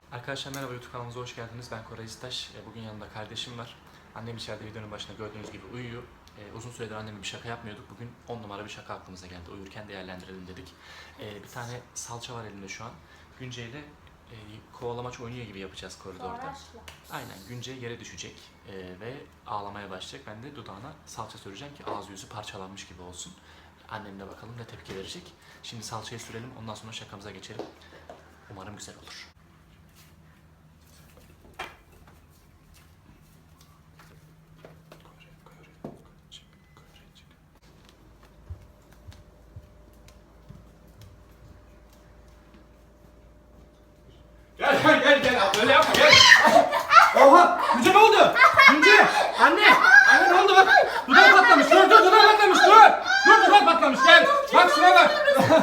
Arkadaşlar merhaba, YouTube kanalımıza hoş geldiniz. Ben Koray İstaş. Bugün yanımda kardeşim var. Annem içeride videonun başında gördüğünüz gibi uyuyor. Uzun süredir annemle bir şaka yapmıyorduk. Bugün 10 numara bir şaka aklımıza geldi. Uyurken değerlendirelim dedik. Bir tane salça var elimde şu an. Günce ile kovalamaç oynuyor gibi yapacağız koridorda. Aynen, Günce yere düşecek ve ağlamaya başlayacak. Ben de dudağına salça süreceğim ki ağzı yüzü parçalanmış gibi olsun. Annem de bakalım ne tepki verecek. Şimdi salçayı sürelim, ondan sonra şakamıza geçelim. Umarım güzel olur. Gel. Öyle yapma gel. Oha! Günce ne oldu? Günce! Anne! Anne ne oldu bak? Dudağı patlamış. Dur dudağı patlamış. Dur dudağı patlamış. Gel. Bak şuna bak.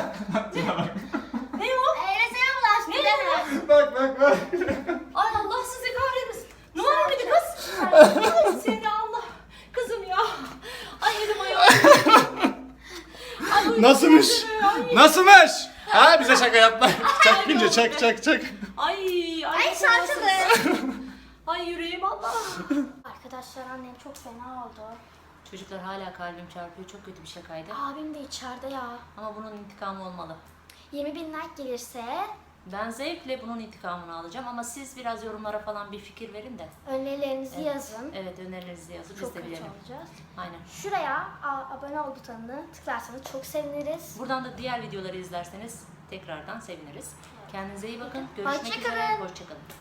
Ne o? Reseme bulaştı. Ne? Bak. Ay Allah sizi kahretmesin. Ne var bir kız? Ay seni Allah. Kızım ya. Ay elim ayağım. Ay, bu Nasılmış? ay. Nasılmış? Ha bize şaka yapma. Çak Günce çak. Ay Ay salçalı. Ay yüreğim Allah. Arkadaşlar annem çok fena oldu. Çocuklar hala kalbim çarpıyor. Çok kötü bir şakaydı. Abim de içeride ya. Ama bunun intikamı olmalı. 20.000 like gelirse Ben zevkle bunun intikamını alacağım ama siz biraz yorumlara falan bir fikir verin de. önerilerinizi yazın. Evet, önerilerinizi yazın. Biz Çok de kötü bilelim. olacağız. Aynen. Şuraya abone ol butonunu tıklarsanız çok seviniriz. Buradan da diğer videoları izlerseniz tekrardan seviniriz. Kendinize iyi bakın. Görüşmek Hoşça üzere. kalın. Hoşçakalın.